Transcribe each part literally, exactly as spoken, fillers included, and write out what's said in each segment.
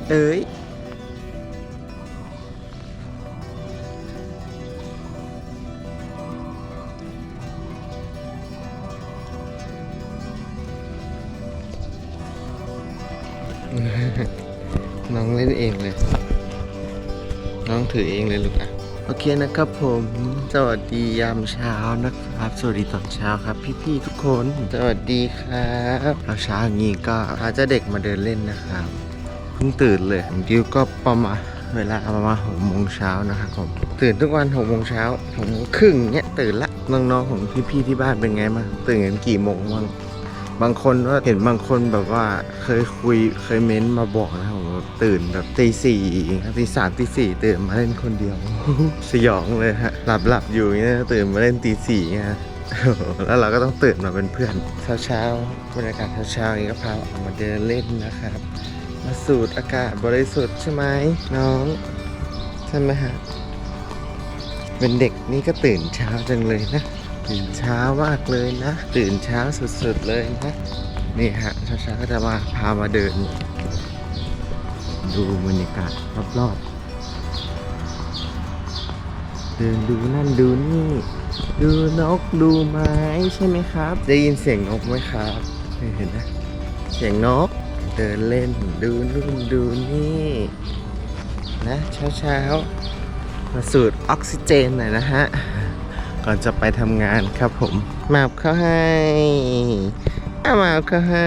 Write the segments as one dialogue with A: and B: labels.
A: เอ้ยน้องเล่นเองเลยน้องถือเองเลยลูกอ่ะโอเคนะครับผมสวัสดียามเช้านะครับสวัสดีตอนเช้าครับพี่ๆทุกคนสวัสดีครับเอาเช้าอย่างนี้ก็พาเจ้าเด็กมาเดินเล่นนะครับเพิ่งตื่นเลยผมดิวก็ประมาณเวลาประมาณหกโมงเช้านะครับผมตื่นทุกวันหกโมงเช้าหกโมงครึ่งเนี้ยตื่นละน้องๆของพี่ๆที่บ้านเป็นไงบ้างตื่นกันกี่โมงบ้างบางคนว่าเห็นบางคนแบบว่าเคยคุยเคยเม้นมาบอกนะครับผมตื่นแบบตีสี่ตีสามตีสี่ตื่นมาเล่นคนเดียว สยองเลยฮะหลับหลับอยู่อย่างนี้ตื่นมาเล่นตีสี่ฮะ แล้วเราก็ต้องตื่นมาเป็นเพื่อนเช้าเช้าบรรยากาศเช้าเช้าอย่างนี้ก็พาออกมาเดินเล่นนะครับมาสูดอากาศบริสุทธิ์ใช่ไหมน้องใช่ไหมฮะเป็นเด็กนี่ก็ตื่นเช้าจังเลยนะตื่นเช้ามากเลยนะตื่นเช้าสุดๆเลยนะนี่ฮะเช้าเช้าก็จะมาพามาเดินดูบรรยากาศรอบๆเดินดูนั่นดูนี่ดูนกดูไม้ใช่ไหมครับได้ยินเสียงนกไหมครับเห็นนะเสียงนกเดินเล่นดูนู่นดูนี่นะเช้าเช้ามาสูดออกซิเจนหน่อยนะฮะก่อนจะไปทำงานครับผมมาบเข้าให้อามาบเข้าให้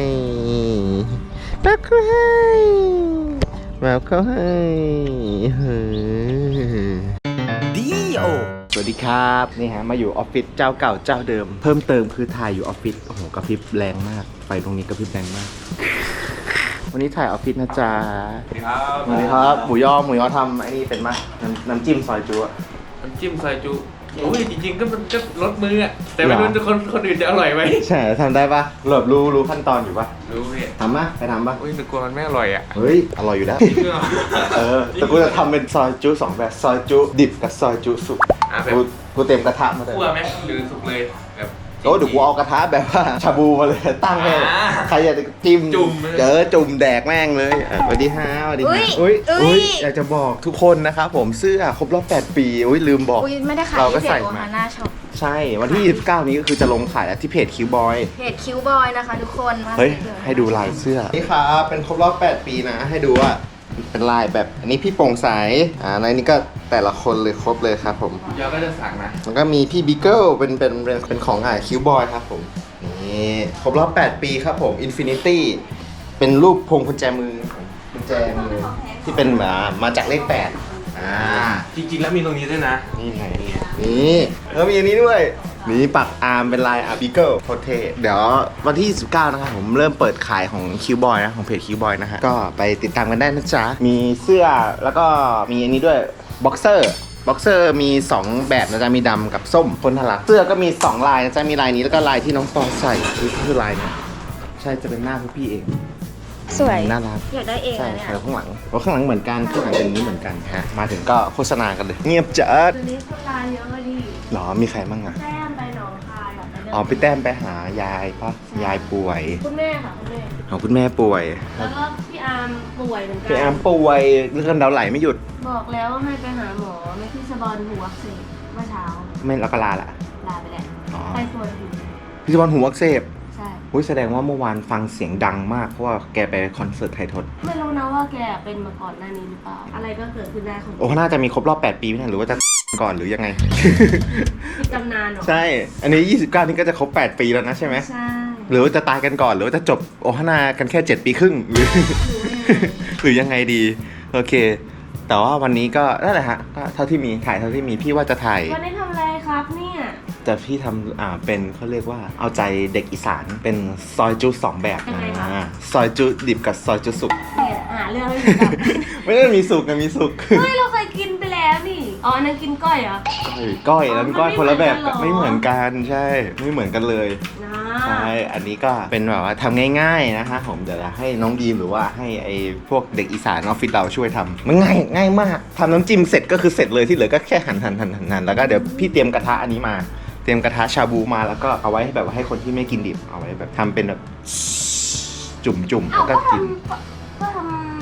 A: มาบเข้าให้มาบเข้าให้เฮ้ยดีโอสวัสดีครับนี่ฮะมาอยู่ออฟฟิศเจ้าเก่าเจ้าเดิมเพิ่มเติมคือถ่ายอยู่ออฟฟิศโอ้โหกระพริบแรงมากไฟตรงนี้กระพริบแรงมากวันนี้ถ่ายออฟฟิศนะจ๊ะสวัสดีครับสวัสดีครับหมูยอหมูยอทำไอ้นี่เป็นมั้ยน้ำน้ำจิ้มซอยจุ๊
B: น้ำจิ้มซอยจุโอ้ยจริงๆก็มันก็รสมืออะแต่ไม่รู้จะคนคนอื่นจะอร่อยไหม
A: ใช่ทำได้ปะหลบรู้รู้ขั้นตอนอยู่ปะ
B: รู้พี่
A: ทำปะไปทำปะ
B: อุ้ยแต่กลัวมันไม่อร่อยอ่ะ
A: เฮ้ยอร่อยอยู่แล้วเออแต่กูจะทำเป็นซอยจุ๊สองแบบซอยจุ๊ดิบกับซอยจุ๊สุกกูกูเต็มกระทะมาเลย
B: คั่วไหมหรือสุกเลยแบบ
A: โอ้เดี๋ยวกูเอากระทะแบบว่าชาบูมาเลยตั้งให้ใครอยากจะจิ้ม
B: จุ่ม
A: เจอจุ่มแดกแม่งเลยสวัสดีฮะสวัสดีฮะอุ้ยอุ้ยอยากจะบอกทุกคนนะครับผมเสื้อครบรอบแปดปีอุ้ยลืมบอก
C: ไม่ได้ขายที่เพจโอฮาน่าช็อป
A: ใช่วันที่ยี่สิบเก้านี้ก็คือจะลงขายแล้วที่เพจคิวบอย
C: เพจคิวบอยนะคะทุกคน
A: เฮ้ยให้ดูลายเสื้อนี่ครับเป็นครบรอบแปดปีนะให้ดูว่าเป็นลายแบบอันนี้พี่โปร่งใสอ่าในนี้ก็แต่ละคนเลยครบเลยครับผม
B: เดี๋ยวก็จะสั่งนะ
A: แล้วก็มีพี่บิ๊กเกิลเป็นเป็นเป็นของอ่าคิวบอยครับผมนี่ครบรอบแปดปีครับผมอินฟินิตี้เป็นรูปพวงกุญแจมือกุญแจมือที่เป็นมามาจากเลขแปดอ่า
B: จริงๆแล้วมีตรงนี้ด้วยนะ
A: นี่ไงนี่แล้วมีอันนี้ด้วยนี่ปักอาร์มเป็นลายอาร์บิเกิลโคเทเดี๋ยววันที่ยี่สิบเก้านะครับผมเริ่มเปิดขายของคิวบอยนะของเพจคิวบอยนะฮะก็ไปติดตามกันได้นะจ๊ะมีเสื้อแล้วก็มีอันนี้ด้วยบ็อกเซอร์บ็อกเซอร์มีสองแบบนะจ๊ะมีดำกับส้มคนทะลักเสื้อก็มีสองลายนะจ๊ะมีลายนี้แล้วก็ลายที่น้องปอใส่คือคือลายเนี่ยใช่จะเป็นหน้าพี่เอง
C: สวย
A: น่ารัก
C: อยากได้เอง
A: ใช่
C: เนี่ย
A: ใช่ข้างหลังเพราะข้างหลังเหมือนกันข้างหลังเป็นอย่างนี้เหมือนกันฮะมาถึงก็โฆษณากันเลยเงียบจัด
C: ตัวนี้คนลายเยอะดิ
A: หรอมีใครบ้างอะ
C: แต้มไปหนองคายแบบนั้น
A: อ๋อพี่แต้มไปหายายปะยายป่วย
C: คุณแม่ค่ะคุณแม่
A: ของคุณแม่ป่วย
C: แล้วก็พี่อาร์มป่วยเหมือนกัน
A: พี่อาร์มป่วยเลือดเดาไหลไม่หยุด
C: บอกแล้วว่าให้ไปหาหมอไม่ที่สะบอนหูอักเสบเมื่อเช้า
A: ไม่แล้วก็ลาละ
C: ลาไปแล้วไปส่วนหู
A: พี่สะบอนหูอักเสบ
C: ใช่
A: อุ้ยแสดงว่าเมื่อวานฟังเสียงดังมากเพราะว่าแกไปคอนเสิร์ตไทยทศ
C: ไม่รู้นะว่าแกเป็นมาก่อนหน้านี้หรือเปล่าอะไรก็เกิดขึ้นได้ของ
A: โอ้น่าจะมีครบรอบแปดปีไม่ใช่หรือว่าจะก่อนหรือยังไง
C: จำนานหรอ
A: ใช่อันนี้ยี่สิบเก้านี่ก็จะครบแปดปีแล้วนะใช่ไหม
C: ใช่
A: หรือว่าจะตายกันก่อนหรือว่าจะจบโอฮาน่ากันแค่เจ็ดปีครึ่งหรือหรือยังไงดีโอเคแต่ว่าวันนี้ก็นั่นแหละฮะก็เท่าที่มีถ่ายเท่าที่มีพี่ว่าจะถ่าย
C: วันนี้ทำอะไรครับเนี่ย
A: แต่พี่ทำอ่าเป็นเขาเรียกว่าเอาใจเด็กอีสานเป็นซอยจุสองแบบนะซอยจุดิบกับซอยจุสุก
C: เนี่ยหาเรื่องไม่ถูก
A: ไม่ได้มีสุกนะมีสุก
C: เฮ้ยเราเคยกินไปแล้วนี่อ๋อนั่นกินก้อยเหรอ
A: ก้อยแล้วก้อยคนละแบบไม่เหมือนกันใช่ไม่เหมือนกันเลยใช่อันนี้ก็เป็นแบบว่าทำง่ายๆนะคะผมเดี๋ยวให้น้องดีมหรือว่าให้ไอ้พวกเด็กอีสานออฟฟิศเราช่วยทำมันง่ายง่ายมากทำน้ำจิ้มเสร็จก็คือเสร็จเลยที่เหลือก็แค่หั่นหั่นหั่นหั่นแล้วก็เดี๋ยวพี่เตรียมกระทะอันนี้มาเตรียมกระทะชาบูมาแล้วก็เอาไว้ให้แบบว่าให้คนที่ไม่กินดิบเอาไว้แบบทำเป็นแบบจุ่มๆแล้วก็กิน
C: ก็ทำ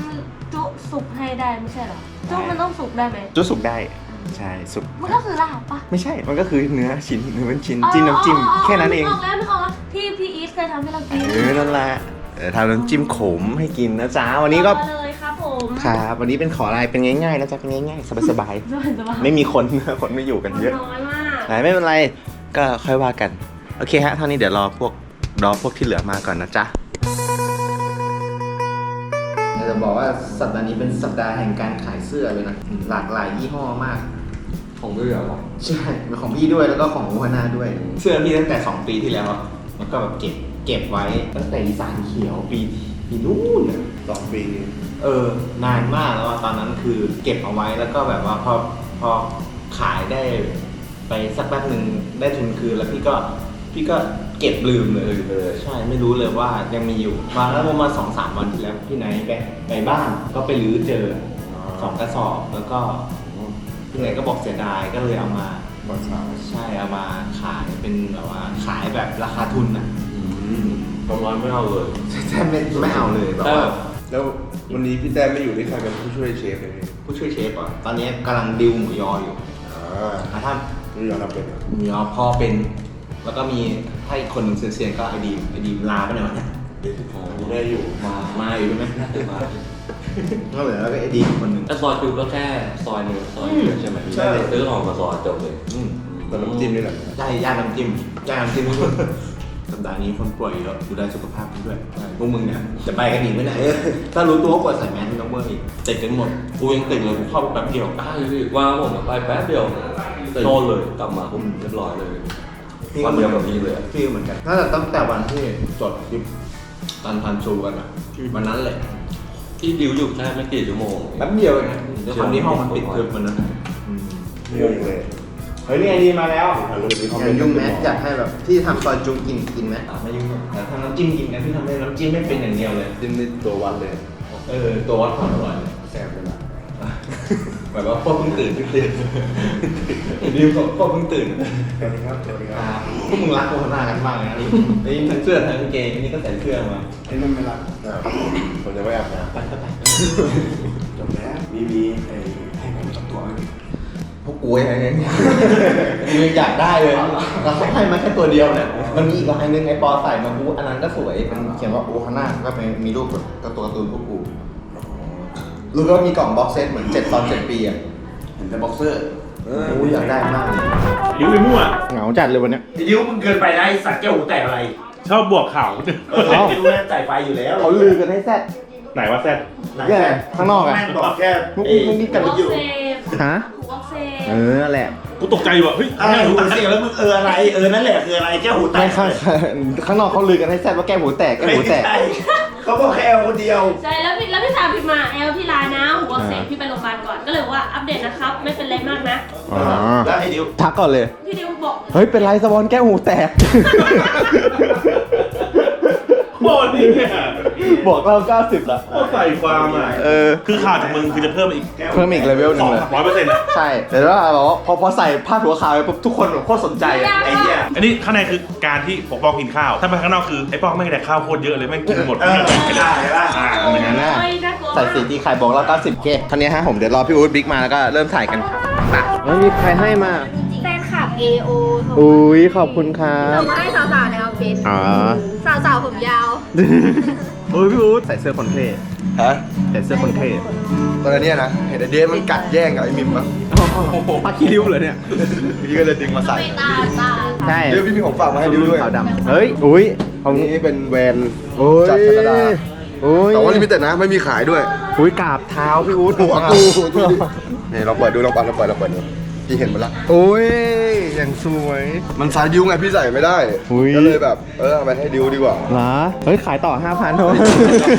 C: จุสุกให้ได้ไม่ใช่เหรอจุมันต้องสุกได้ไหม
A: จุสุกได้ใช่สุก
C: มันก็คือลาบปะ
A: ไม่ใช่มันก็คือเนื้อชิ้นเนื้อเป็นชิ้นจิ้มน้ำจิ้มแค่นั้นเอง
C: นึกออกแล้วนึกออกแล้วที่พี่อีทเคยทำให้เรากิน
A: เออนั่นแหละเออทำน้ำจิ้มขมให้กินนะจ๊ะวันนี้ก็
C: ต่อเลยครับผม
A: ครับวันนี้เป็นขออะไรเป็นง่ายๆนะจ๊ะเป็นง่ายๆสบาย
C: สบายสบาย
A: ๆไม่มีคน คนไม่อยู่กันเยอะ
C: น้อยมาก
A: ไหนไม่เป็นไรก็ค่อยว่ากันโอเคฮะเท่านี้เดี๋ยวรอพวกรอพวกที่เหลือมาก่อนนะจ๊ะจะบอกว่าสัปดาห์นี้เป็นสัปดาห์แห่งการขายเสื้อเลยนะหลากหลายยี่ห้อมาก
B: ของเรือหรอ
A: ใช่เป็นของพี่ด้วยแล้วก็ของหัวหน้าด้วย เสื้อพี่ตั้งแต่สองปีที่แล้วแล้วก็แบบเก็บเก็บไว้ตั้งแต่อีสานเขียวปีปีนู้นอะ
D: สองปี
A: เออนานมากแล้วอะตอนนั้นคือเก็บเอาไว้แล้วก็แบบว่าพอพอขายได้ไปสักแป๊บหนึ่งได้ทุนคืนแล้วพี่ก็พี่ก็เก็บลืมเลยเลยใช่ไม่รู้เลยว่ายังมีอยู่มาแล้วประมาณสองสามวันที่แล้วพี่ไนท์ไปไปบ้านก็ไปรื้อเจอสองกระสอบแล้วก็พี่ไนท์ก็บอกเสียดายก็เลยเอามา
D: ตอนเช้า
A: ใช่เอามาขายเป็นแบบว่าขายแบบราคาทุนนะ
B: ประมาณไม่เอาเลย
A: ใช่ไม่ไม่เอาเลยแบบว่า
D: แล้ววันนี้พี่แต้มไม่อยู่ที่ใครเป็นผู้ช่วยเชฟเลย
A: ผู้ช่วยเชฟอ่ะตอนนี้กำลังดิวหมูยออยู่
D: อ่า
A: อ่ะถ้า
D: นี่ยอมรับเป็นเหรอ
A: หมูยอพ่อเป็น แล้วก็มีให้อีกคนหนึ่งเซียนๆก็ไอดีมไอดีมลาไปไหนวะเนี่ย
D: เด็กที่ของได้อยู่
A: มามาอยู่ใช่ไหม
B: มา
A: ก็เหลือแล้วก็ไอดีมคนหนึ่ง
B: แต่ซอยจูก็แค่ซอยหนึ่งซอยเดียวใช่ไหมใช่ซื้อของมาซอยจบเลย
A: อืม
D: แต่น้ำจิ้มนี่แหละ
A: ใช่ย่างน้ำจิ้มย่างน้ำจิ้มทุกคนสัปดาห์นี้คนป่วยเยอะดูแลสุขภาพกันด้วยพวกมึงเนี่ยจะไปกันอีกไหมเนี่ยถ้ารู้ตัวว่าป่วยใส่แมสไม่ต้องเบอร์อีกติดกันหมดกูยังติดเลยกูเข้าไปแป๊บเดียว
B: ใช่พี่ว่าผมไปแป๊บเดียวโดนเลยกลับมาผมเรียบร้อยเลยวันเดียวกับพี่เลย
A: พี่เหมือนกันน่าจะตั้งแต่วันที่จดคลิปตันพันชูกันอ่ะวันนั้นเลย
B: ที่ดิวอยู่แค่ไม่กี่ชั่วโมง
A: แป๊บเดียวเองนะด้วยความที่ห้องมันปิดคืนวันนั้น
D: เรื่องเลย
A: เฮ้ยนี่ไอดีมาแล้ว
D: ถ่ายรูปนี้เขา
A: อ
D: เป็
A: ย่าน ยุ่งแมสอยากให้แบบที่ทำซอยจุกินกินไหมไม่ยุ่งแต่ทำน้ำจิ้มกินกันที่ทำให้น้ำจิ้มไม่เป็นอย่างเดียวเลย
D: จิ้มนี่ตัววันเลย
A: เออตัววัดความอร่อย
D: แซ่บเลยล่ะ
A: แบบว่าพวกเพิ่งตื่นเพิ่งตื่นดิวพวกเพิ่งตื่น
D: สวัสดีครับสวัสดีค
A: อ่า
D: รับ
A: พวกมึงรักโฆษณากันมากเลยนะไอ้ทั้งเสื้อทั้งกางเกงนี่ก็ใส่เสื้อมา
D: ไอ้นั่นไม่รักอ่าผมจะไม่อาบน้ำ
A: ไปก็ไป
D: จบแล้วมีมีไอ้ให้ผมจับตัวไว้
A: พวกกูอะไรเงี้ยกูยังอยากได้เลยเราให้มาแค่ตัวเดียวเนี่ยมันมีอีกลายนึงไอ้ปอใส่มากูอันนั้นก็สวยเป็นเขียนว่าโอคาน่าก็เป็นมีรูปแบบการ์ตูนการ์ตูนพวกกูรู้ว่ามีกล่องบ็อกเซตเหมือนเจ็ดตอนเจ็ดปีอ่ะ
D: เห็นแต่บ็อกเซอร์เออ
A: กูอยากได้มากเลย
E: ดิวไปมั่ว
A: เหงาจัดเลยวันเนี้ย
E: ดิวมึงเกินไปนะไอ้สัตว์แก้วหูแตกอะไร ชอบบวกข่าว
A: เอ้า
E: ดิวแม่งใส่ไฟอยู่แล้ว
A: เขาลือกันให้แซ่ด
E: ไหนว่าแซ่บ
A: แย่ข้างนอกอ่ะ
E: แม่งบอกแค่
A: พวกกูมึงนี่กัน
C: หัว
A: อยู่
C: เซฟ
A: ฮะ
C: หัวเซฟ
A: เออนั่นแหละ
E: กูตกใจว่ะเฮ้ย
D: อะไรหูเสียงแล้วมึงเอออะไรเออนั่นแหละคืออะไรแก้วหูแต
A: ไม่
D: ก
A: ข้างข้างนอกเขาลือกันให้แซ่ดว่าแก้หูแตกแก้หูแตก
D: ไม่ใช่เขาบอกแค่คนเดียว
C: ใช่แล้วพี่แล้วพี่สาวพิมพ์มาแอลพี่ลานะหัวเซฟพี่ไปโรงพยาบาลก่อนก็เลยบอกว่าอัปเดตนะครับไม่เป็นไรมากนะ
A: อ๋อ
D: แล้วไอ้ดิว
A: ทักก่อนเลย
C: พี่ดิวบอก
A: เฮ้ย เป็นไรสวอนแก้วหูแตก
E: โคตรนี่เนี่ย
A: บอกเราเก้าสิบละ
E: โคตรใส่ความอ่ะ
A: เออ
E: คือข่าวจากมึงคือจะเพิ่มอีก
A: เพิ่มอีกเลเวลห
E: ส
A: นึ่
E: อง ง
A: เลย
E: ร้อยเปอร์เซ็นต์
A: ใช่ แต่ว่าแบบว่าพอพอใส่ผ้าดหัวขาวไปปุ๊บทุกคนแบบโคตรสนใจอะไอ้เหี้ย
E: อันนี้ข้างในคือการที่ปกป้องกินข้าว ถ้าไปข้างนอกคือไอ้ป้องไม่งแต่ข้าวโคตรเยอะเลยแม่งกินหมด
D: เออไม่ได้ป่ะ
E: อ่า
A: อย่างนั้นน่ะ
C: โอ้ยน่ากลัว
A: ใส่สีตีไข่บอกเราเก้าสิบเคท่านี้ฮะผมเดี๋ยวรอพี่อู๊ดบิ๊กมาแล้วก็เริ่มถ่ายกันครับไม่มีใครให้มา
F: แฟนคลับ เอ โอ
A: อุ้ยขอบคุณครั
F: ส่
A: บ
F: งมาให้สาวๆในออฟฟิศ
A: อ๋อ
F: สาวๆผมยาว
A: โอ้ยพี่อู๊ดใส่เสื้อคนเท่
D: ฮะ
A: ใส่เสื้อคนเท่
D: ตอนนี้นะเห็นไอ้เดฟมันกัดแย่งกับไอ้มิมปะ
A: ผ้าขี้ริ้วเลยเนี่ย
D: พี่ก็เลยดึงมาใส่
F: ตาตา
A: ใช่
D: เดี๋ยวพี่มีของฝากมาให้ดิวด้วย
A: ขาวดำเฮ้ย อุ้ย
D: ของนี้เป็นแวน
A: โอ้ย
D: จากแคนาดา
A: โอ้ย
D: แต่ว่าลิมิเต็ดนะไม่มีขายด้วย
A: อุ้ยกราบเท้าพี่อู๊ด
D: หัวกูดูดินี่เราเปิดดูลองเปิดเราเปิดเราเปิดดูพี่เห็นมันละ
A: โอ้ยอย่างสวย
D: มันสายดิวไงพี่ใส่ไม่ได้
A: อุ๊ย
D: ก็เลยแบบเออเอาไปให้ดิวดีกว่า
A: เหรอ เฮ้ย ขายต่อ ห้าพันเท่านั้น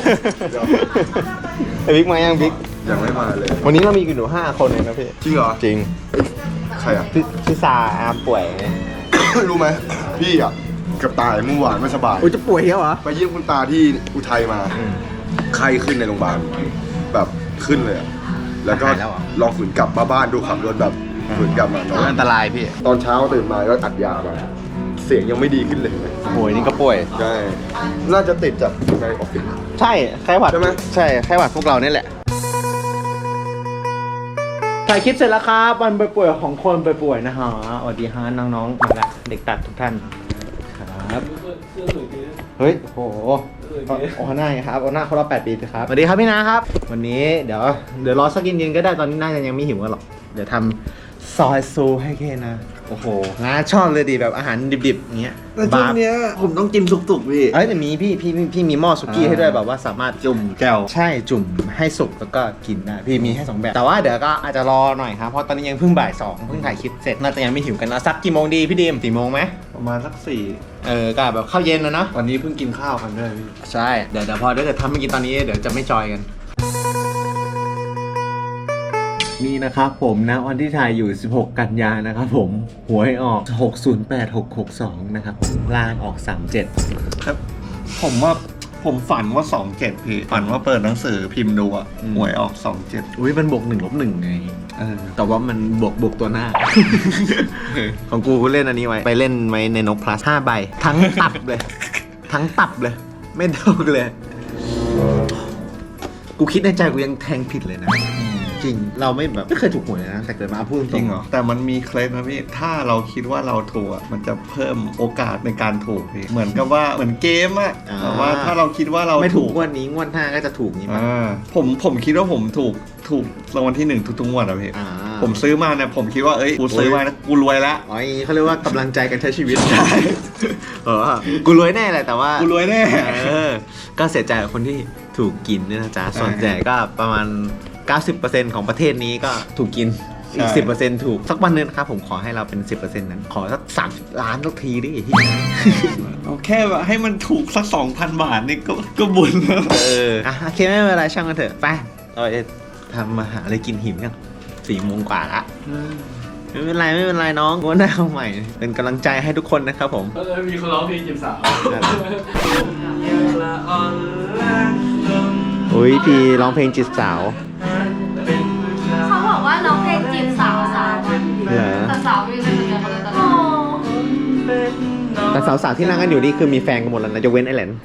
A: ไอ้บิ๊กมายังบิ๊ก
D: ยังไม่มาเลย
A: วันนี้เรามีกันอยู่ห้าคนเองนะพี่
D: จริงเหรอ
A: จริง
D: ใครอ่ะ
A: พี่พี่ซาอาร์มป่วยไง
D: รู้ไหมพี่อ่ะเกับตายเมื่อวานไม่สบาย
A: อุ้ยจะป่วยแล้วเหรอ
D: ไปเยี่ยมคุณตาที่อุทัยมาไข้ขึ้นในโรงพยาบาลแบบขึ้นเลยอะแล้วก็
A: หายแล้วเหรอ
D: ลองฝืนกลับมาบ้านดูขับรถแบบฝืนกลับมานอน
A: อันตรายพี่
D: ตอนเช้าตื่นมาก็อัดยามาเสียงยังไม่ดีขึ้นเลย
A: ป่วยนี่ก็ป่วย
D: ใช่น่าจะติดจากในออฟฟิศ
A: ใช่ไข้หวัด
D: ใช่ไหม
A: ใช่ไข้หวัดพวกเราเนี่ยแหละถ่ายคลิปเสร็จแล้วครับวันไปป่วยของคนไปป่วยนะฮะสวัสดีฮะน้องๆมาละเด็กตัดทุกท่านครับเฮ้ยโอ้โหโอ้หน้าครับโอ้หน้าเขารอบแปดปีครับสวัสดีครับพี่นะครับวันนี้เดี๋ยวเดี๋ยวรอสักเย็นๆก็ได้ตอนนี้น่าจะยังไม่หิวกันหรอกเดี๋ยวทำซอยซูให้แค่นะโอ้โหน้าชอบเลยดิแบบอาหารดิบๆอย่างเงี้ย
G: แต่ช่วงเนี้ยผมต้องกินสุกๆพี่
A: เอ้ยแต่มีพี่พี่พี่มีหม้อสุกี้ให้ด้วยแบบว่าสามารถ
G: จุ่มแก้ว
A: ใช่จุ่มให้สุกแล้วก็กินได้พี่มีให้สองแบบแต่ว่าเดี๋ยวก็อาจจะรอหน่อยครับเพราะตอนนี้ยังเพิ่งบ่ายสองเพิ่งถ่ายคลิปเสร็จน่าจะยังไม่หิวกันนะสักกี่โมงดีพี่ดีมสี่โมงไหม
G: ประมาณสักสี่
A: เออก็แบบข้าวเย็นนะเนาะ
G: วันนี้เพิ่งกินข้าวกันด้วยพี่
A: ใช่เดี๋ยวเดี๋ยวพอถ้าเกิดทำไม่กินตอนนี้เดี๋ยวจะไม่จอยกันนี่นะครับผมนะวันที่ถ่ายอยู่สิบหกกันยานะครับผมหวยออกหกศูนย์แปด หกหกสองนะครับล่างออกสามเจ็ด
G: ครับ ผมว่าผมฝันว่าสองเจ็ดพี่ฝันว่าเปิดหนังสือพิมพ์ดูอะหวยออกสองเจ็ด
A: อุ้ยมันบวกหนึ่งลบหนึ่งไง
G: เออ
A: แต่ว่ามันบวกบวกตัวหน้า ของกูกูเล่นอันนี้ไว้ ไปเล่นไว้ในนกพลัสห้าใบ ทั้งตับเลย ทั้งตับเลย ไม่เท่าเลย กูคิดในใจกูยังแทงผิดเลยนะ จริงเราไม่แบบไม่เคยถูกหวยเลยนะ แต่เกิดมาพูดต
G: จ
A: ร
G: ริ
A: ง
G: งเหรอแต่มันมีเคล็ดนะพี่ถ้าเราคิดว่าเราถูกอะมันจะเพิ่มโอกาสในการถูกพี่เหมือนกับว่าเหมือนเกมอะแต่ว่าถ้าเราคิดว่าเรา
A: ไม่ถูก
G: ถูก
A: งวดนี้งวดหน้าก็จะถูกนี้มั้ย
G: อ่าผมผมคิดว่าผมถูกถูกรางวัลที่หนึ่งทุกๆงวดอะพี่
A: อ่า
G: ผมซื้อมาเนี่ยผมคิดว่าเอ้ยกูซื้อมานะกูรวยแล้ว
A: อ๋ออย่างนี้เขาเรียกว่ากำลังใจกันใช้ชีวิตใช่เออกูรวยแน่แหละแต่ว่า
G: กูรวยแน่
A: เออก็เสียใจกับคนที่ถูกกินเนี่ยนะจ๊ะส่วนใหญ่ก็ประมาณ เก้าสิบเปอร์เซ็นต์ ของประเทศนี้ก็ถูกกินอีก สิบเปอร์เซ็นต์ ถูกสักวันนึงนะครับผมขอให้เราเป็น สิบเปอร์เซ็นต์ นั้นขอสักสามสิบล้านสักทีดิ
G: เอาแค่แบบให้มันถูกสักสองพันบาทนี่ก็ก็บุญแล้ว
A: เอออ่ะโอเคไม่เป็นไรช่างกันเถอะไปเราจะทำมาหาอะไรกินหิวกันสี่โมงกว่าละไม่เป็นไรไม่เป็นไรน้องวันหน้าเอาใหม่ เป็นกำลังใจให้ทุกคนนะครับผม
B: เออมีคนร้องเพลงจีบสาว
A: อุ้ยพี่ร้องเพลงจีบสาว
F: เขาบอกว่าน้องเพลงจีบสาวสาว
A: เหรอ
F: แต่สาวไม่เป็นเดียวกันเลยตอนนี้
A: แต่สาวๆที่นั่งกันอยู่นี่คือมีแฟนกันหมดแล้วนะยกเว้นไอแหลน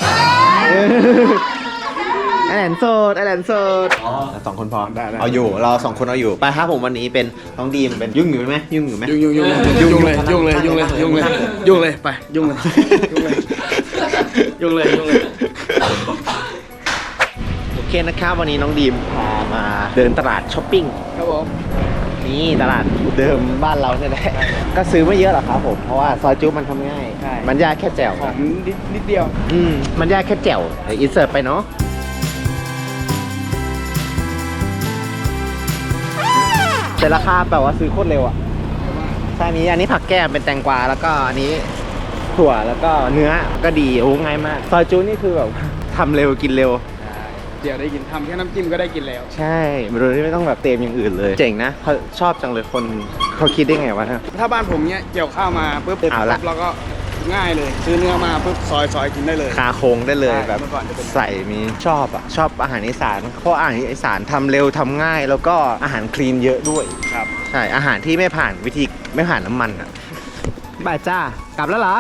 A: ไอแหลนโสดไอแหลนโสดสองคนพอเอาอยู่เราสองคนเอาอยู่ไปครับผมวันนี้เป็นน้องดีมเป็นยุ่งอยู่ไหมยุ่งอยู่ไหม
H: ยุ่งยุ่งยุ่งยุ่งเลยยุ่งเลยยุ่งเลยยุ่งเลยยุ่งเลยไปยุ่งเลยยุ่งเลยยุ่งเลยยุ่งเลย
A: โอเคนะครับวันนี้น้องดีมพามาเดินตลาดช้อปปิ้ง
H: ครับผม
A: นี่ตลาดเดิมบ้านเราเนี่ยแหละก็ซื้อไม่เยอะหรอกครับผมเพราะว่าซอยจุ๊มันทำง่ายมันยากแค่แจ่ว
H: ของนิดนิดเดียว
A: อืมมันยากแค่แจ่วเดี๋ยวอินเสิร์ตไปเนาะแต่ราคาแบบว่าซื้อโคตรเร็วอ่ะใช่นี้อันนี้ผักแก้มเป็นแตงกวาแล้วก็อันนี้ถั่วแล้วก็เนื้อก็ดีโอ้ง่ายมากซอยจุ๊นี่คือแบบทำเร็วกินเร็ว
H: เดี๋ยวได้กินทำแค่น้ำจิ้มก็ได้กินแล้ว
A: ใช่โดยที่ไม่ต้องแบบเตรียมอย่างอื่นเลย เจ๋งนะเขาชอบจังเลยคนเขาคิดได้ไงวะ
H: ถ้าบ้านผมเนี้ยเกี่ยวข้าวมาปุ๊บ
A: เอาละ
H: แล้วก็ง่ายเลยซื้อเนื้อมาปุ๊บซอยซอยกินได้เลย
A: คาโครงได้เลย
H: ใช่
A: แบบ
H: เมื่อก่อนจะเป็น
A: ใส่มีชอบอ่ะชอบอาหารอีสานเพราะอาหารอีสานทำเร็วทำง่าย แล้วก็อาหารคลีนเยอะด้วย
H: ครับ
A: ใช่อาหารที่ไม่ผ่านวิธีไม่ผ่านน้ำมันอ่ะบ่ายจ้ากลับแล้วเหรอ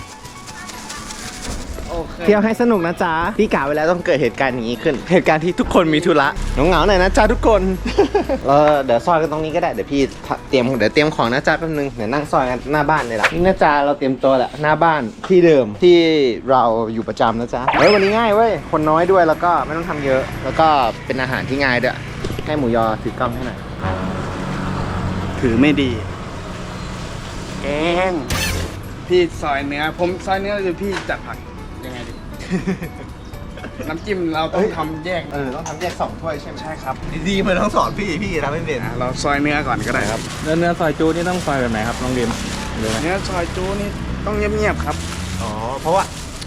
H: โอเค
A: เที่ยวให้สนุกนะจ๊ะพี่กะไว้แล้วต้องเกิดเหตุการณ์อย่างนี้ขึ้น เหตุการณ์ที่ทุกคนมีธุระเหงาๆหน่อยนะจ๊ะทุกคน เราเดี๋ยวซอยกันตรงนี้ก็ได้เดี๋ยวพี่เตรียมเดี๋ยวเตรียมของนะจ๊ะแป๊บนึงเดี๋ยวนั่งซอยกันหน้าบ้านเลยล่ะนี่นะจ๊ะเราเตรียมตัวแหละหน้าบ้านที่เดิมที่เราอยู่ประจำนะจ๊ะเฮ้ยวันนี้ง่ายเว้ยคนน้อยด้วยแล้วก็ไม่ต้องทำเยอะ แล้วก็เป็นอาหารที่ง่ายด้วยให้หมูยอถือกล้องให้หน่อย
H: ถือไม่ดีแกงพี่ซอยเนื้อผมซอยเนื้อคือพี่จัดผักยังไงดี น้ำจิ้มเราต้องทำแยก
A: เออต้องทำแยกสองถ้วยใช่ไหม
H: ใช่ครับ
A: ดีๆมันต้องสอนพี่พี่ทำไม่เป็น
H: อ่ะเราซอยเนื้อก่อนก็ได้ครับ
B: แล้วเนื้อซอยจูนี่ต้องซอยแบบไหนครับน้องดิมเดี๋ยวนะ
H: เนื้อซอยจูนี่ต้องเงียบๆครับ
A: อ๋อเพราะว่า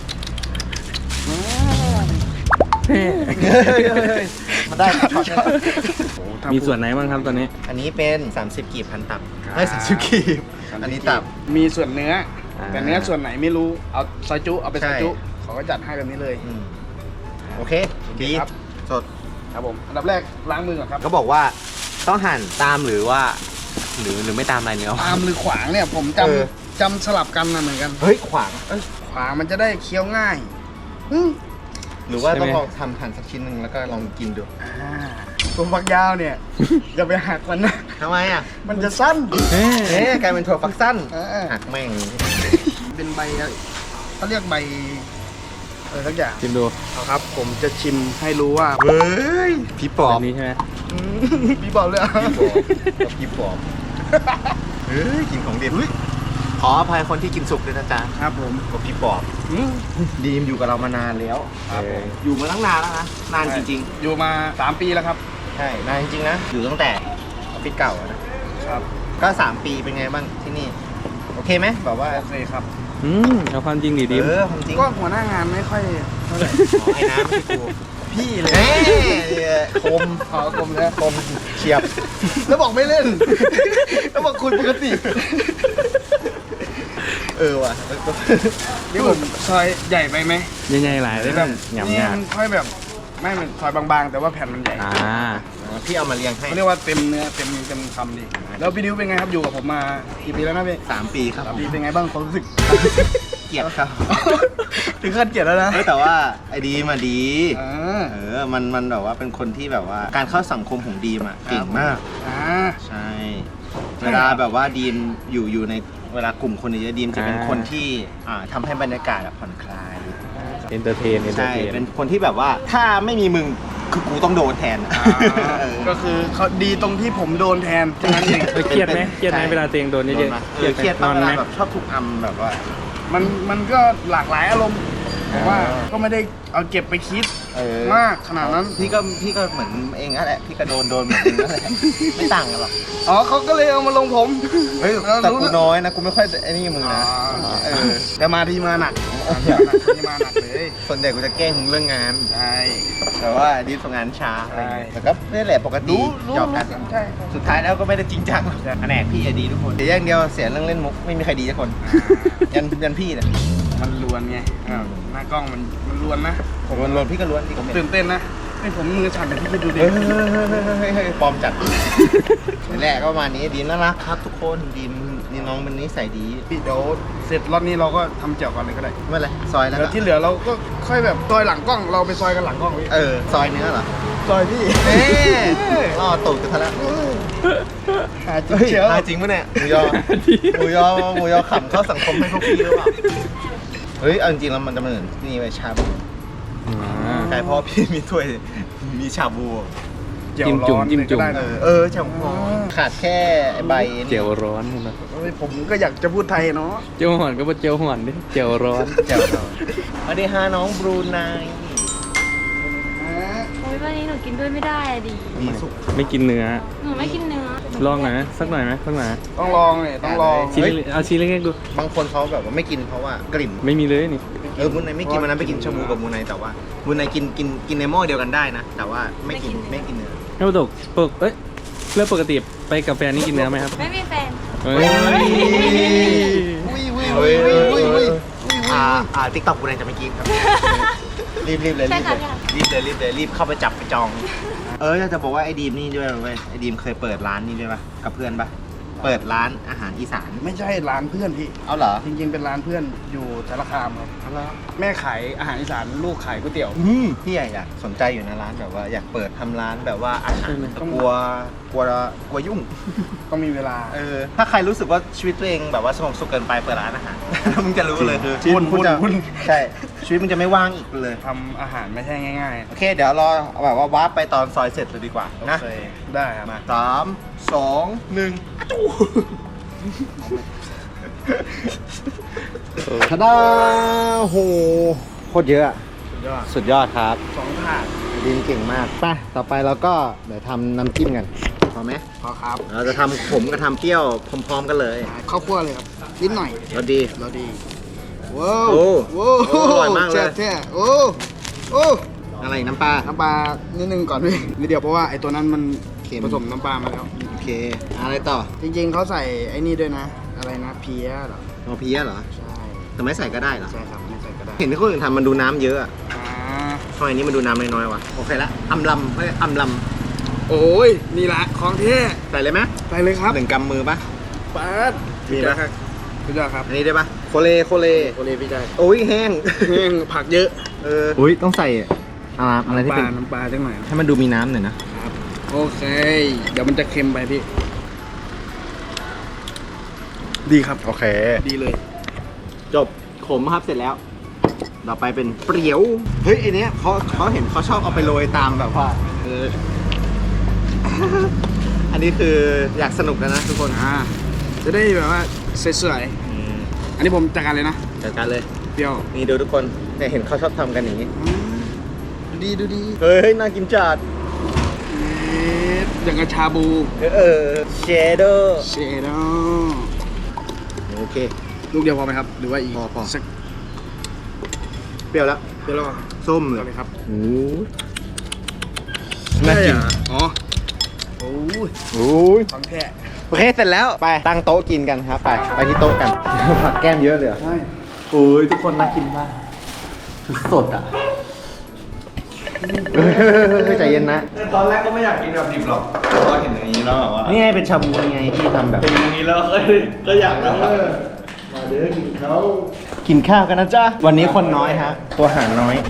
A: มันได้ครับ
B: มีส่วนไหนบ้างครับตอนนี้
A: อันนี้เป็นสามสิบกีบพันตับไม่สามสิบกีบอันนี้ตับ
H: มีส่วนเนื้อ
A: อ่า
H: แต่เนื้อส่วนไหนไม่รู้เอาซอยจุเอาไปซอยจุ
A: ใช่
H: เขาก็จัดให้แบบนี้เลย
A: อืมโอเคดี
H: ครับ
A: สด
H: ครับผมอันดับแรกล้างมือก่อนครับ
A: ก็บอกว่าต้องหั่นตามหรือว่า หรือหรือไม่ตามอะไรเนื้อ
H: ตามหรือขวางเนี่ยผมจ
A: เออ
H: ำจำสลับกันนะเหมือนกัน
A: เฮ้ยขวาง
H: เอ้ยขวางมันจะได้เคี้ยวง่ายอืม
A: หรือว่า
B: ใช่ไหม
A: ต้องลองทำหั่นสักชิ้นหนึ่งแล้วก็ลองกินดู
H: อ่าถั่วฝักยาวเนี่ย อย่าไปหักมันนะ
A: ทำไมอ่ะ
H: มันจะสั้น
A: เอ๊ะกลายเป็นถั่วฝักสั้น
H: เออ
A: หักแม่ง
H: เป็นใบเขาเรียกใบอะไรสักอย่าง
B: ชิมดู
H: เอาครับ ผมจะชิมให้รู้ว่า
A: เฮ้ยพี่ปอ
B: แบบ บนี้ใช่ไหม
H: อืมพี่บอกเลยอะ
A: พี่ปอบเฮ้ยกินของเด็ดขออภัยคนที่กินสุกด้วยนะจ๊ะ
H: ครับผม
A: กับพี่ปอบ
H: อืม
A: ดีมอยู่กับเรามานานแล้ว
H: ครับผม
A: อยู่มาตั้งนานแล้วนะนานจริง
H: อยู่มาสามปีแล้วครับ
A: ๆใช่นานจริงๆนะอยู่ตั้งแต่ออฟฟิศเก่าอะนะครับ ก็สามปีเป็นไงบ้างที่นี่โอเคไหมแบบว่า
H: โอเคครับ
B: อืมเอาความจริงดิดิม
A: เออความจริง
H: ก็หัวหน้างานไม่ค่อยเท่าไหร่
A: อ๋อไอ้น้ำไม่ใช่กู
H: พี่เลย
A: เฮ้ยคม
H: ขอกลมเลย
A: คมเฉียบ
H: แล้วบอกไม่เล่น แล้วบอกคุยปกติ
A: เออว่ะ
H: นี่ผมซอยใหญ่ไปไหม
B: ยังไงหลายได้แบบหยำ
H: นี่
B: หยา
H: มันค่อยแบบไม่มันซอยบางๆ แต่ว่าแผ่นมันใหญ่
B: อ่า
A: พี่เอามาเรียงให้
H: เขาเรียกว่าเต็มเนื้อเต็มเต็มคำดีแล้วพี่ดิวเป็นไงครับอยู่กับผมมากี่ปีแล้วนะพี่
A: สามปีครับ
H: สามปีเป็นไงบ้างความรู้สึก
A: เกลียดครับ
H: ถึงขั้นเกลียดแล้วนะ
A: เออแต่ว่าไอ้ดีมาดี
H: อ่า
A: เออ มัน มันแบบว่าเป็นคนที่แบบว่า การเข้าสังคมของดีมอ่ะเก่งมาก
H: อ่า
A: ใช่ เวลาแบบว่าดีมอยู่อยู่ในเวลากลุ่มคนเยอะๆดีมจะเป็น
B: อ่า
A: คนที่อ่าทำให้บรรยากาศอะผ่อนคลาย
B: เอนเตอร์เทนเอนเตอ
A: ใช่
B: ร์เทน
A: เป็นคนที่แบบว่าถ้าไม่มีมึงคือกูต้องโดนแทนอะ
H: อ่า
A: เออ
H: ก็คือเขาดีตรงที่ผมโดนแทนแค่นั้นเอง
B: เออเครียดไหมเครียดไหมเวลาตัวเองโดนเย
A: โดน
B: อะ
A: ไหม
B: ๆ
A: เออเครียด
B: น
A: ปะ
B: อน
A: เว
B: ไหม
A: ลาแบบชอบถูกอำแบบว่า
H: มันมันก็หลากหลายอารมณ์แต่ว่า
A: อ่า
H: ก็ไม่ได้เอาเก็บไปคิด
A: เออ
H: มากขนาดนั้น
A: พี่ก็พี่ก็เหมือนเองนั่นแหละพี่ก็โดนโดนเหมือนเองนั่นแหละไม่ต่างกันหรอก
H: อ๋อเขาก็เลยเอามาลงผม
A: เฮ้ย
H: เรา
A: แต่
H: รู้
A: กูน้อยนะกูไม่ค่อยไอ้นี่มึง
H: อ๋อ
A: นะเออ
H: แต่มาที่มาหนักมาที่มาหนักที่มาหนักเลย
A: ส่วนใหญ่กูจะแกล้งมึงเรื่องงาน
H: ใช่
A: แต่ว่าดีฟงานช้าอะไรอย่างเงี้ย
H: ใช่
A: แต่ก็นี่แหละปกติ
H: รู้รู้
A: หยอกกัน
H: รู้ใช่ครับ
A: สุดท้ายแล้วก็ไม่ได้จริงจังหรอกแผนกพี่อะดีทุกคนแต่อย่างเดียวเสียเรื่องเล่นมุกไม่มีใครดีทุกคนยันยันพี่เนี่ย
H: มันลวนไงอ่าหน้ากล้องมันมันลวนนะ
A: ผมล้วนๆพี่ก็ล้วนพี่
H: ผ
A: ก็
H: ม
A: เป็น
H: ตื่นเต้นนะให้ผมมือสั่นแต่พี่คิดดูดิ
A: เฮ้ยเฮ้ยเฮ้ยเฮ้ยเฮ้ยปลอมจัดนี่แหละก็ประมาณนี้ดีมน่ารักครับทุกคนดีมนี่น้องมันนิสัยดี
H: พี่เดี๋ยวเสร็จรอบนี้เราก็ทำเจียวก่อนเลยก็ได้
A: ไม่เป็นไรซอยแล้ว
H: เดี๋ยว
A: ก็
H: ที่เหลือเราก็ค่อยแบบซอยหลังกล้องเราไปซอยกันหลังกล้องพี่
A: เออซอยเนื้อเหรอ
H: ซอยพี่
A: เอ๊ะล่อตูดกันซะแล้ว
H: หาจริง
A: เฮ้ย
H: เชียว
A: หาจริงปะเนี่ยหมูยอหมูยอหมูยอขำเข้าสังคมให้พวกพี่หรือเปล่าเฮ้ยเอาจริงๆแล้วมันจะเหมือนนี่ไปชาบู
B: อ่า
A: ใช่เพราะพี่มีถ้วยมีชาบู
H: เจียว
B: จิ้ม
H: ร้
B: จุ่ม
H: อน
B: จิ้มจุ่ม
H: ก็ได้
A: เอ
H: นะ
A: อเออชาบูขาดแค่ไอ้ใบนี่
B: เจียวร้อนนะ
H: เฮ้ยผมก็อยากจะพูดไทยเนาะ
B: เจียวห่อนก็ว่าเจียวห่อนดิเจียวร้อน
A: เจียวร้อนสวัสดีฮะน้องบรูไน
F: โอ้ยวันนี้หนูกินด้วยไม่ได้อะดิ
A: มีสุก
B: ไม่กินเนื้อ
F: หนูไม่กินเนื้อ
B: ลองหน่อยไหมสักหน่อยไหมสักหน่อยไหม
H: ต้องลองเนี่ยต้องลอง
B: ชิ้นเล็กๆเอาชิ้นเล็กๆดู
A: บางคนเขาแบบว่าไม่กินเพราะว่ากลิ่น
B: ไม่มีเลยนี่
A: เออมูนไนไม่กินมันนั้นไปกินชาบูกับมูนไนแต่ว่ามูนไนกินกินกินในหม้อเดียวกันได้นะ แต่ว่าไม่กินไม่กินเนื้อ
B: แล้วปกปกเอ้ยเรื่องปกติไปกับแฟนนี่กินเนื้อไหมครับ
F: ไม่มีแฟน
B: เฮ้ย
A: อุ้ยอุ้ยอุ้ยอุ้ยอุ้ยอุ้ยอ่าอ่าติ๊กต็อกมูนไนจะไม่กินครับรีบรีบเลย
F: ใช่
A: รีบ
F: ค่ะ
A: เลย
F: ใช่ค่ะ
A: รีบเลยรีบเลยรีบเข้าไปจับไปจอง เออจะบอกว่าไอ้ดีมนี่ด้วยเว้ยไอ้ดีมเคยเปิดร้านนี่ด้วยปะกับเพื่อนปะเปิดร้านอาหารอีสาน
H: ไม่ใช่ร้านเพื่อนพี่
A: เอาเหรอ
H: จริงๆเป็นร้านเพื่อนอยู่สารคามครับ
A: เอาเหรอ
H: แม่ขายอาหารอีสานลูกขายก๋วยเตี๋ยว
A: อืมพี่อยากอยากสนใจอยู่นะร้านแบบว่าอยากเปิดทำร้านแบบว่าอาหารแต่กลัวกลัวกลัวยุ่ง
H: ต้องมีเวลา
A: เออถ้าใครรู้สึกว่าชีวิตตัวเองแบบว่าสงบสุขเกินไปเปิดร้านอาหาร มึงจะรู้เลยคือชีวิต
H: วุ่น
A: มึงจะ
H: วุ่น
A: ใช่ชีวิตมึงจะไม่ว่างอีกเลย
H: ทำอาหารไม่ใช่ง่าย
A: โอเค เดี๋ยวรอแบบว่าวาร์ปไปตอนซอยเสร็จเลยดีกว่า
H: ๆ
A: นะ
H: โอเคได้ครับ
A: มาสามสองหนึ่งจูทาดาโหโคตรเยอะ
H: สุดยอด
A: สุดยอดครับ
H: สองถาด
A: ดินเก่งมากไปต่อไปเราก็เดี๋ยวทำน้ำจิ้มกันพอไหม
H: พอครับ
A: เราจะทำผมกับทำเปรี้ยวพร้อมๆกันเลย
H: ข้าวคั่วเลยครับนิดหน่อย
A: เราดี
H: เราดีว้าว
A: โอ้
H: ว้าว
A: โอ้อร่อยมากเลย
H: แซ่บแท้โอ้โอ้
A: อะไรน้ำปลา
H: น้ำปลานิดนึงก่อนพี่นิดเดียวเพราะว่าไอ้ตัวนั้นมัน
A: เค็ม
H: ผสมน้ำปลามาแล้ว
A: โอเคอะไรต่อ
H: จริงๆเขาใส่ไอ้นี่ด้วยนะ อะไรนะเพี้ยเหรอ
A: เอาเพี้ยเหรอ
H: ใช่
A: แต่ไม่ใส่ก็ได้เหรอ
H: ใช่ครับไม่ใส่ก็ได้
A: เห็นที่คนอื่นทำมันดูน้ำเยอะอะ
H: อ่า
A: ทำไมอันนี้มันดูน้ำน้อยๆวะโอเคละอำลำเฮ้ยอำล
H: โอ้ยนี่ละของเท่
A: ำใส่เลยไหม
H: ใส่เลยครับ
A: หนึ่งกำมือปะ
H: ปัด
A: มีปะ
H: สุดยอดครับ
A: อันนี้ได้ปะโคเลโคเล
H: โอเลพี่ได้
A: โอ้ยแห้ง
H: แห้งผักเยอะ
A: เอออุ้ยต้องใส่อะไรอะไรที่
H: ป
A: เป็น
H: ลาน้ำปลาจังหน่อย
A: ให้มันดูมีน้ำหน่อยนะ
H: ครับโอเค เดี๋ยวมันจะเค็มไปพี่ ดีครับ
G: โอเค
H: ดีเลย
G: จบขมครับเสร็จแล้ว ต่อไปเป็นเปรี้ยว เฮ้ยไอเนี้ยเขาเขาเห็นเขาชอบเอาไปโรยตามแบบว่าเออ อันนี้คืออยากสนุกแล้วนะทุกคน
H: อ่า จะได้แบบว่าสวยๆอันนี้ผมจัดการเลยนะ
G: จัดการเลย
H: เปรี้ยว
G: นี่ดูทุกคนเนี่ยเห็นเขาชอบทำกันอย่างนี้ ดูดีดูดี เฮ้ยน่ากินจัด
H: เอ๊ะอย่างกับชาบู
G: เออเชดเดอร์
H: เชดดอ
G: โอเค
H: ลูกเดียวพอไหมครับ หรือว่าอีก
G: พอพอ
H: สัก
G: เปรี้ยวแล้ว
H: เปรี้ยวแล้ว
G: ส้มเล
H: เอา
G: ย
H: เลยครับ
G: โอ้
H: น่า
G: น่า
H: กิ
G: กิ
H: น
G: น
H: อ๋อโอ้ย
G: โอ้ย
H: ของแท้
G: โอเคเสร็จแล้วไปตั้งโต๊ะกินกันครับไปไปที่โต๊ะกัน ผักแก้มเยอะเลย
H: ใช่
G: โอ้ยทุกคนน่ากินมากสดอ่ะใจเย็นนะ
E: ตอนแรกก็ไม่อยากกินแบบดิบหรอกพอเห็นอย่างนี้แล้วแบบว่า
G: นี่ไงเป็นชาบูไงที่ทำแบบ
E: เป็นอย่างนี้แล้วก็ก็อยากแล้ว
G: มาเด้อกินข้าวกินข้าวกันนะจ๊ะวันนี้คนน้อยฮะตัวหารน้อย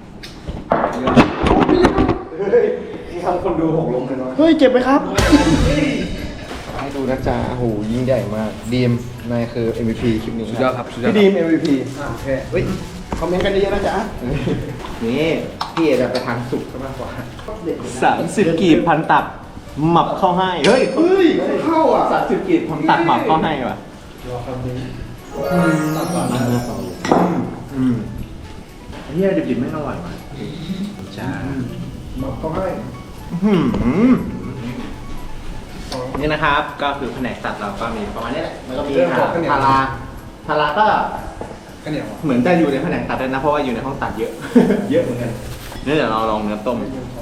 G: ทำคนดูหกลงเลยน้อยเฮ้ยเจ็บไหมครับให้ดูนะจ๊ะโอ้โหยิ่งใหญ่มากดีมนายคือ เอ็ม วี พี คลิปนี้
H: สุดยอดครับสุดยอด
G: พี่ดีม เอ็ม วี พี
H: โอเค
G: เฮ้ยคอมเมนต์กันเยอะๆนะจ๊ะนี่พี่เอจะไปทางสุกมากกว่าสามสิบกีบพันตับหมับเข้าให้เฮ้ยเฮ้ยเข้าอ่ะสามสิบกีบพันตับหมับเข้าให้ว่ะอืมเฮียดิบๆไม่อร่อยว่ะจ้าหมับเข้าให้นี่นะครับก็คือแผนกตัดเราก็มีประมาณนี้แหละแล้วก็มีทาราทาราก็
H: ก็เหนียว
G: เหมือนจะอยู่ในแผนกตัดด้วยนะเพราะว่าอยู่ในห้องตัดเยอะ เยอะเหมือนกันนี่เดี๋ยวเราลองเนื้อต้ม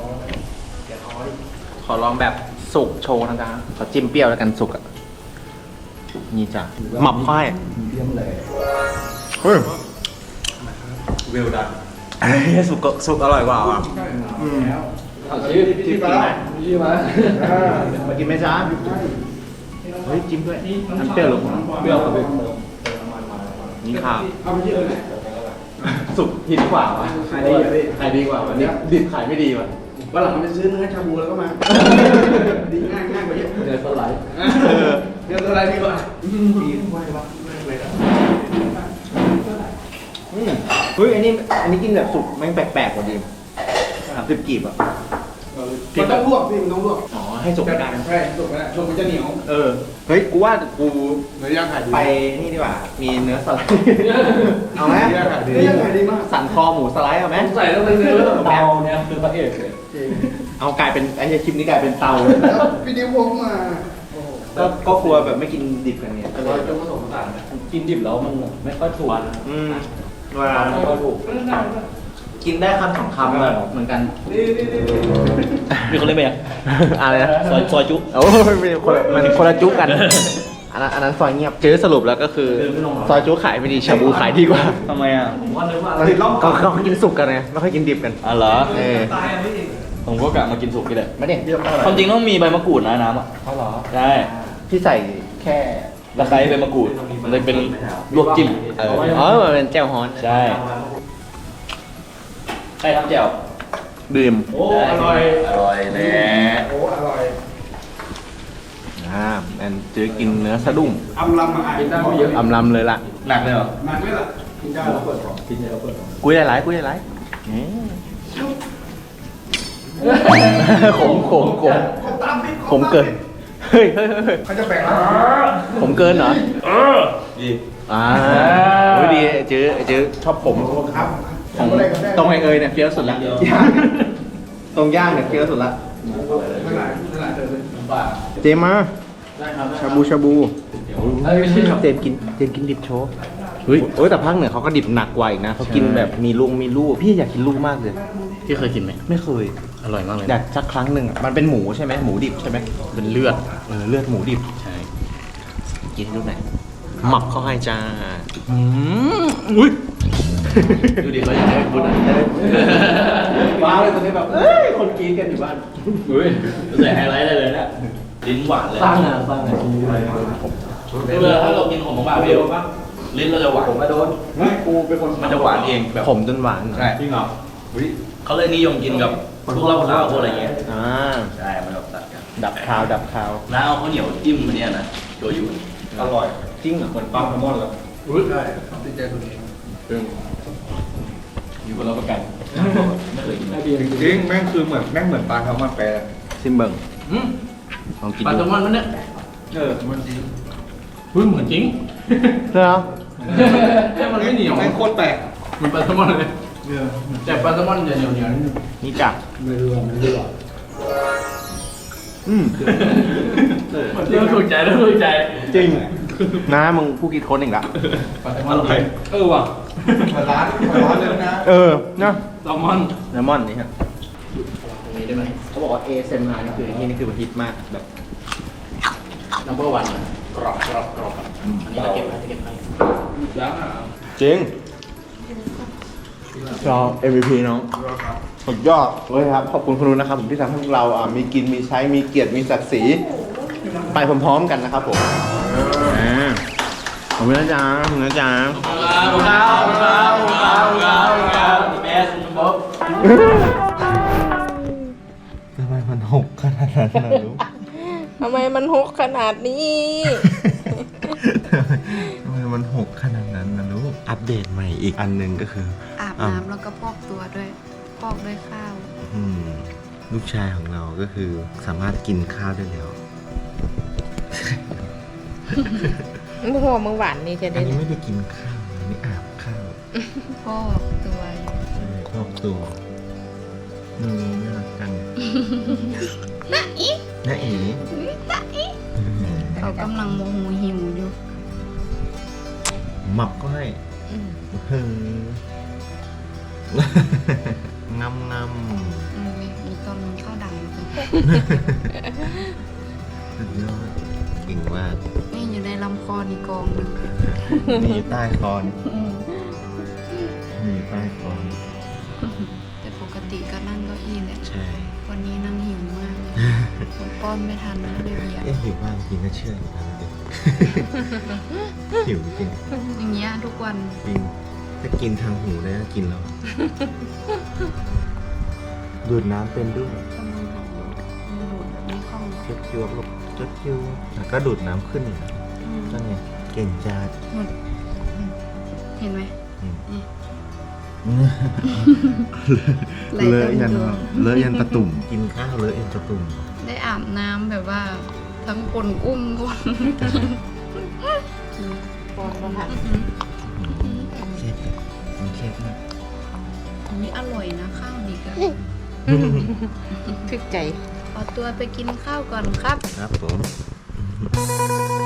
G: ขอลองแบบสุกโชว์นะครับขอจิ้มเปรี้ยวแล้วกันสุกอ่ะนี่จ้ะหมับค่อยเฮ้ยเวลดันเฮ้ยสุกก็สุกอร่อยกว่าว่ะอืมจิ้มจิ้มกินไหมจิ้มมามากินไหมจ๊ะเฮ้ยจิ้มด้วยน้ำเปรี้ยวหรือเปรี้ยวกับนี่ครับสุกหินกว่าวะขายดีขายดีกว่าวันนี้ดิบขายไม่ดีว่ะ
H: วันหลังมันจะซื้อเนื้อชาบูแล้วก็มา ดีง่ายง่ายกว่าเยอะเนื้อสไลด์เนื้อสไลด์ดีกว่า
G: เฮ้ยอันนี้อันนี้กินแบบสุกแม่งแปลกๆกว่าดิมสามสิบกีบอ่ะ
H: มันต้องลวกพี่มันต้องลวก
G: อ๋อให้สุกไม่ได้
H: ใช่สุกไม่ได้สุกมันจะเหนียว
G: เออเฮ้ยกูว่ากู
H: เนื้อย่างขายดี
G: ไปนี่ดีกว่ามีเนื้อสไลด์เอาไหม
H: เนื้อย่างขายดีเนื้อย่างขายดีมาก
G: สันคอหมูสไลด์เอาไหม
B: ใส่แล้วเป็นเนื้อเตาเนี่ยคือพระเอกเลย
G: เอากลายเป็นไอ้คลิปนี้กลายเป็นเตา
H: แล้วพี่ดิวพกมา
G: ก็ก็ครัวแบบไม่กินดิบกันเนี่ยก็เลย
B: จะผสมผสานกินดิบแล้วมันไม่ค่อยถูก
G: อืมเวลา
B: ไม่ค่อยถูก
G: กินได้คำสองคำแบบเหมือนกัน
B: มีคนเล่นไหมอ่ะ
G: อะไรนะ
B: ซอยซอยจุ๊
G: โอ้ยเป็นคนละมันคนละจุกัน อันนั้นอันนั้นซอยเงียบเจอสรุปแล้วก็คือซอยจุขายไม่ดีชาบูขายดีกว่า
B: ทำไมอ่ะผมว่าเนื้อว่าอะไร
G: ก็เขากินสุกกันไงไม่ค่อยกินดิบกัน
B: อ๋อเหรอ
G: เออ
B: ผมก็กะมากินสุกนี่แหละ
G: ไม่ได้
B: ความจริงต้องมีใบมะกรูดนะน้ำอ่ะ
G: เขาหรอ
B: ใช่
G: พี่ใส่แค่
B: ตะไคร้ใบมะกรูดมันเลยเป็นลวกจิ้ม
G: เอออ๋อมันเป็นแจ่วฮอน
B: ใช่ใครทำแจ่ว
G: ดื่ม
B: โอ้อร่อยอร่อยแน่
H: โอ้อร่อย
G: อ่าแอนจื้อกินเนื้อสะดุ้ง
H: อำลำมาอ่านได้ไม่เยอะ
G: อำลำเลยล่ะ
B: หนักเลยเหรอ
H: มันไม่ละกินได้แล้วเปิดของกินได้แล้วเปิดของ
G: กุ้ยหลายๆกุ้ยหลายๆนี่ขมขมขมขมเกินเฮ้ยเฮ้ยเฮ้ย
H: เขาจะแบ่งแล้ว
G: ผมเกินเหรอ
B: เออดี
G: อ่าโอ้ยดีเจื้อเจื้อชอบผม
H: ครับ
G: ของตรงไอเอยเนี่ยเฟี้ยวสุดละตรงย่างเนี่ยเฟี้ยวสุดละ
H: ไม่หลายไม่หลายเดิน
G: เจมมาชาบูชาบูเจมกินเจมกินดิบโชว์เฮ้ยโอ้ยแต่ภาคเหนือเขาก็ดิบหนักกว่าอีกนะเขากินแบบมีลุงมีลูกพี่อยากกินลูกมากเลย
B: ที่เคยกินไหม
G: ไม่เคย
B: อร่อยมากเลย
G: อยากสักครั้งหนึ่งอะมันเป็นหมูใช่ไหมหมูดิบใช่ไหม
B: เป็นเลือด
G: เออเลือดหมูดิบ
B: ใช่
G: กินให้ดูหน่อยหมับเขาให้จ้าอืมอุ้ย
B: ดูดิเขาอยากให้พูดอะไร
G: ว้าวเลยตอนนี้แบบเอ้ยคนกินกันอยู่บ้าน
B: อุ้ยใส่ไฮไลท์ได้เลยเนี่ยลิ้นหวานเลย
G: สร้างงานสร้างงาน
B: เวลาถ้าเรากินของหวานเดียวลิ้นเราจะหวานผมมาโดน
H: กูเป็นคน
B: มันจะหวานเองแบบ
G: ผมจนหวาน
B: ใช่จริงเหรอเขาเลยนิยมกินกับ
I: พวกเหล้าขาวพวกอะไรเงี้ย
G: อ่า
I: ใช่มันแบบตัดกัน
G: ดับคาวดับคาว
I: แล้วเอาข้าวเหนียวจิ้มมันเนี่ยนะโชยุ
E: อร่อย
G: จริงเหรอ
E: เหมือนปลาแซลมอนเลย
I: อยู่กับเราประกันไม่เคยกิน
E: จริงแม่งคือเหมือนแม่งเหมือนปลาแซลมอนไปเลย
G: ซิมเบิง
B: อืม
G: ลองกิน
B: ปลา
G: ดู
B: แซลมอนมันเนี่ย
E: เออมันจริง
B: เฮ้ยเหมือนจริง
G: เหรอ
B: แต่มันไม่เหนียว
E: แม่งโคตรแปลก
B: มันปลาแซลมอนเลยแต่ปลาแซลมอนจะเหนียวเหนียวนิดนึง
G: นี่จ้ะ อืม
B: เริ่มถูกใจเริ่มถูกใจ
G: จริงนะมึงผู้คิดค้นเองละ
B: ปลาแซลมอนเลยเออว่ะ
E: มาร้านมาร้านเลยนะ
G: เออนะ
B: แซลมอน
G: เลมอนนี่ฮะ
B: ตรงนี้ได้ไหม
G: เขาบอกว่า เอ เอส เอ็ม อาร์ นี่คือไอ้นี่นี่คือมันฮิตมากแบบ
B: นัมเบอร์วันกรอบกรอบกรอบอันนี้เราเก็บไว้จะเก็บไว้แล้วอ่ะ
G: จริงชอบ เอ็ม วี พี น้องสุดยอดเลยครับ ขอบคุณคุณนุ้นนะครับผมที่ทำให้พวกเราอ่ะมีกินมีใช้มีเกียรติมีศักดิ์ศรีไปพร้อมๆกันนะครับผมอ่าขอบคุณนะจ๊ะขอบคุณนะจ๊ะ
B: ขอบคุณครับขอบคุณครับขอบคุณครับขอบคุณครับขอบคุณครับเบสบ๊อบ
A: ทำไมมันหกขนาดนั้นนะลูก
F: ทำไมมันหกขนาดนี้
A: ทำไมมันหกขนาดนั้นนะลูก อัปเดตใหม่อีกอันหนึ่งก็คือ
F: อาบน้ำแล้วก็พอกตัวด้วยพอกด้วยข้าว
A: อืมลูกชายของเราก็คือสามารถกินข้าวได้แล้ว
F: มึงหัวมึงหวานนี่จะ
A: อั
F: ได้
A: นนี้ไม่ได้กินข้าวอันนี้อาบข้าว
F: พอกตัวอยู่
A: ใช่ครอบตัวอืมน่ารักจัง
F: นะอี
A: น่าเอ๋
F: นะอีเขากำลังโมโหหิวอยู่
A: หมับก็ให้
F: อืม
A: เฮ้งำง
F: อืมมีตอนนึงข้าวดังอยู่
A: ำสุดยอดเก่งมาก
F: นี่อยู่ในลำคอนี่กองหนึง
A: มีใต้คอนี่
F: อืม
A: มีใต้คอนี่
F: แต่ปกติก็นั่งเก้าอี้แหละ
A: ใช่
F: วันนี้นั่งหิวมากเลยผมป้อนไม่ทันนะเลยเบียร์
A: เอ๊ะหิวมากจริงก็เชื่ออยู่นะเด็ก หิวจริง
F: อย่างเงี้ยทุกวัน
A: จริงถ้ากินทางหูได้ก็กินแล้ว ดูดน้ำเป็นด้วย
F: กำลังหาดูดแบบไม่คล่อง
A: เจ็ดยวบลบเจ็ดยวแล้วก็ดูดน้ำขึ้นอีกนะ
F: อืม
A: นั่นไงเก่งจัด
F: หมดอืมเห็นไหม
A: อืม
F: นี่ ไหล
A: เล
F: เต็
A: อะ
F: ม
A: ยัน
F: ตัว
A: เลอะยันตะตุ่ม กินข้าวเลอะยันตะตุ่ม
F: ได้อาบน้ำแบบว่าทั้งคนอุ้มคนปอนประทัด
A: เค็ดอะมันเค็ดมาก
F: อันนี้อร่อยนะข้าวนี่ก็
J: ทึกใจ
F: ขอตัวไปกินข้าวก่อนครับ
A: ครับผม